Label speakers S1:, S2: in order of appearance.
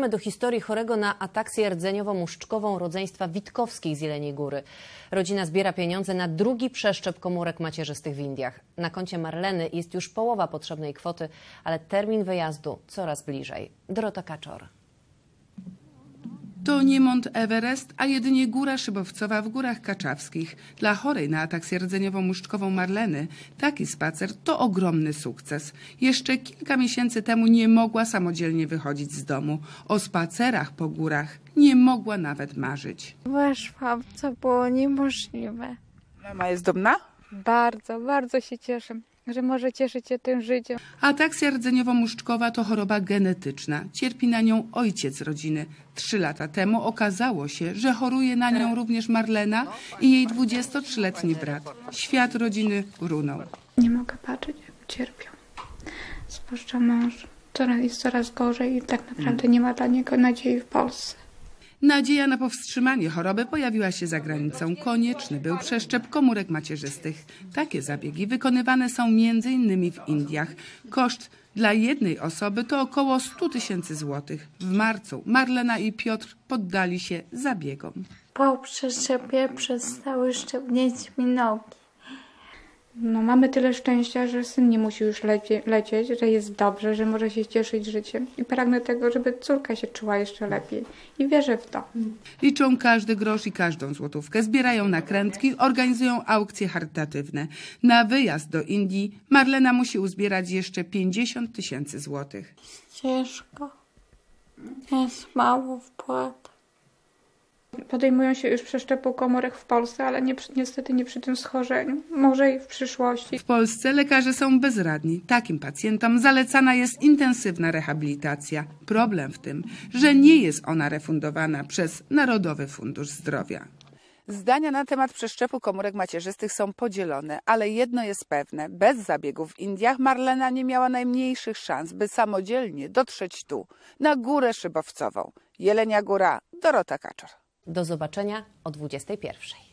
S1: Zaglądamy do historii chorego na ataksję rdzeniowo-muszczkową rodzeństwa Witkowskich z Jeleniej Góry. Rodzina zbiera pieniądze na drugi przeszczep komórek macierzystych w Indiach. Na koncie Marleny jest już połowa potrzebnej kwoty, ale termin wyjazdu coraz bliżej. Dorota Kaczor.
S2: To nie Mont Everest, a jedynie góra szybowcowa w Górach Kaczawskich. Dla chorej na ataksję rdzeniowo-muszczkową Marleny taki spacer to ogromny sukces. Jeszcze kilka miesięcy temu nie mogła samodzielnie wychodzić z domu. O spacerach po górach nie mogła nawet marzyć.
S3: Weszłam, co było niemożliwe.
S4: Mama jest dumna?
S3: Bardzo, bardzo się cieszę, że może cieszyć się tym życiem.
S2: Ataksja rdzeniowo-muszczkowa to choroba genetyczna. Cierpi na nią ojciec rodziny. 3 lata temu okazało się, że choruje na nią również Marlena i jej 23-letni brat. Świat rodziny runął.
S3: Nie mogę patrzeć, jak cierpią. Zwłaszcza mąż. Jest coraz gorzej i tak naprawdę nie ma dla niego nadziei w Polsce.
S2: Nadzieja na powstrzymanie choroby pojawiła się za granicą. Konieczny był przeszczep komórek macierzystych. Takie zabiegi wykonywane są m.in. w Indiach. Koszt dla jednej osoby to około 100 000 złotych. W marcu Marlena i Piotr poddali się zabiegom.
S5: Po przeszczepie przestały szczepnieć mi nogi.
S3: No, mamy tyle szczęścia, że syn nie musi już lecieć, że jest dobrze, że może się cieszyć życiem. I pragnę tego, żeby córka się czuła jeszcze lepiej. I wierzę w to.
S2: Liczą każdy grosz i każdą złotówkę. Zbierają nakrętki, organizują aukcje charytatywne. Na wyjazd do Indii Marlena musi uzbierać jeszcze 50 000 złotych.
S5: Ciężko. Jest mało wpłat.
S3: Podejmują się już przeszczepu komórek w Polsce, ale niestety nie przy tym schorzeniu. Może i w przyszłości.
S2: W Polsce lekarze są bezradni. Takim pacjentom zalecana jest intensywna rehabilitacja. Problem w tym, że nie jest ona refundowana przez Narodowy Fundusz Zdrowia.
S4: Zdania na temat przeszczepu komórek macierzystych są podzielone, ale jedno jest pewne. Bez zabiegów w Indiach Marlena nie miała najmniejszych szans, by samodzielnie dotrzeć tu, na Górę Szybowcową. Jelenia Góra, Dorota Kaczor.
S1: Do zobaczenia o 21:00.